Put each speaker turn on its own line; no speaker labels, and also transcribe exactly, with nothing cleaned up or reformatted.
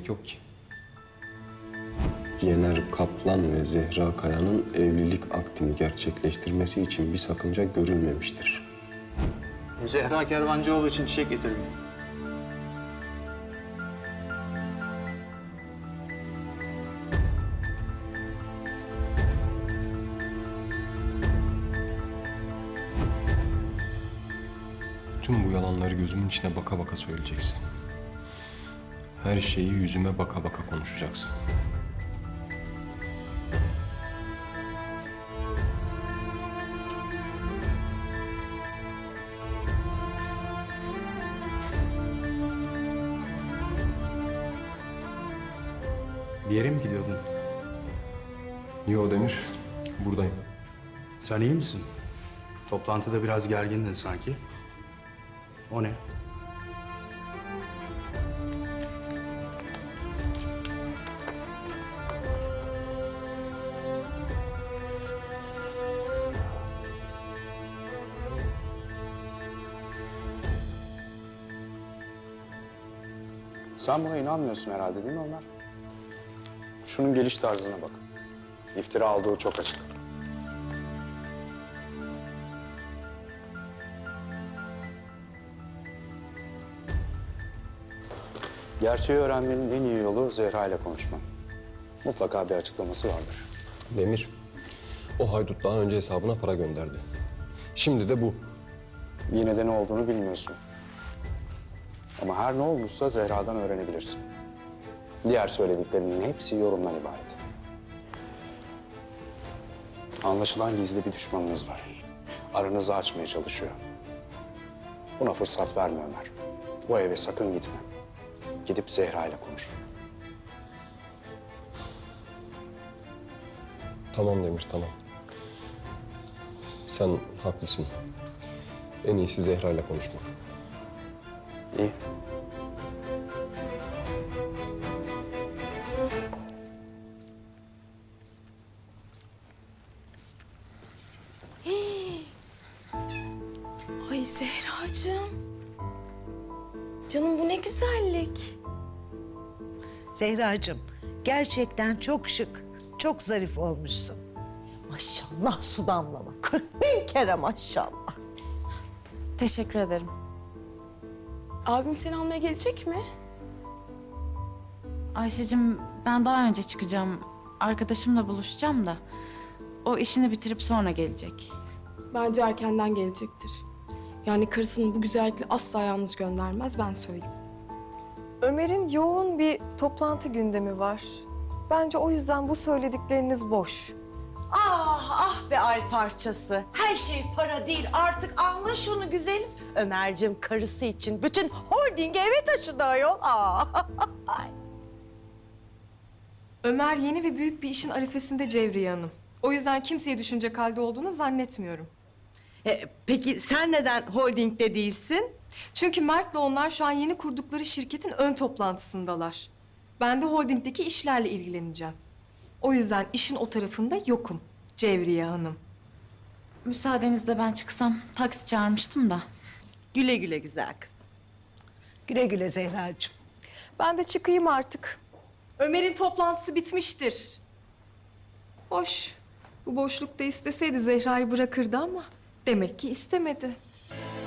gerek yok ki.
Yener Kaplan ve Zehra Kaya'nın evlilik aktini gerçekleştirmesi için bir sakınca görülmemiştir.
Zehra Kervancıoğlu için çiçek getirdim.
Tüm bu yalanları gözümün içine baka baka söyleyeceksin. Her şeyi yüzüme baka baka konuşacaksın.
Bir yere mi gidiyordun?
Yo Demir, buradayım.
Sen iyi misin? Toplantıda biraz gergindin sanki. O ne? Sen buna inanmıyorsun herhalde değil mi Ömer? Şunun geliş tarzına bak. İftira olduğu çok açık. Gerçeği öğrenmenin en iyi yolu Zehra ile konuşman. Mutlaka bir açıklaması vardır.
Demir, o haydut daha önce hesabına para gönderdi. Şimdi de bu.
Yine de ne olduğunu bilmiyorsun. Ama her ne olmuşsa Zehra'dan öğrenebilirsin. Diğer söylediklerinin hepsi yorumdan ibaret. Anlaşılan gizli bir düşmanınız var. Aranızı açmaya çalışıyor. Buna fırsat verme Ömer. O eve sakın gitme. Gidip Zehra ile konuş.
Tamam Demir, tamam. Sen haklısın. En iyisi Zehra ile konuşmak.
İyi.
Ay Zehracığım. Canım bu ne güzellik.
Zehracığım, gerçekten çok şık, çok zarif olmuşsun.
Maşallah su damlama. Kırk bin kere maşallah.
Teşekkür ederim. Abim seni almaya gelecek mi?
Ayşe'cim ben daha önce çıkacağım. Arkadaşımla buluşacağım da. O işini bitirip sonra gelecek.
Bence erkenden gelecektir. Yani karısını bu güzellikle asla yalnız göndermez, ben söyleyeyim.
Ömer'in yoğun bir toplantı gündemi var. Bence o yüzden bu söyledikleriniz boş.
Ah ah be ay parçası. Her şey para değil, artık anla şunu güzelim. Ömerciğim karısı için bütün holdingi eve taşıdı ayol. Ah.
Ömer yeni ve büyük bir işin arifesinde Cevriye Hanım. O yüzden kimseyi düşünecek halde olduğunu zannetmiyorum.
E, peki sen neden holdingde değilsin?
Çünkü Mert'le onlar şu an yeni kurdukları şirketin ön toplantısındalar. Ben de holdingdeki işlerle ilgileneceğim. O yüzden işin o tarafında yokum Cevriye Hanım.
Müsaadenizle ben çıksam. Taksi çağırmıştım da.
Güle güle güzel kız. Güle güle Zehracığım.
Ben de çıkayım artık. Ömer'in toplantısı bitmiştir. Hoş. Bu boşlukta isteseydi Zehra'yı bırakırdı ama demek ki istemedi.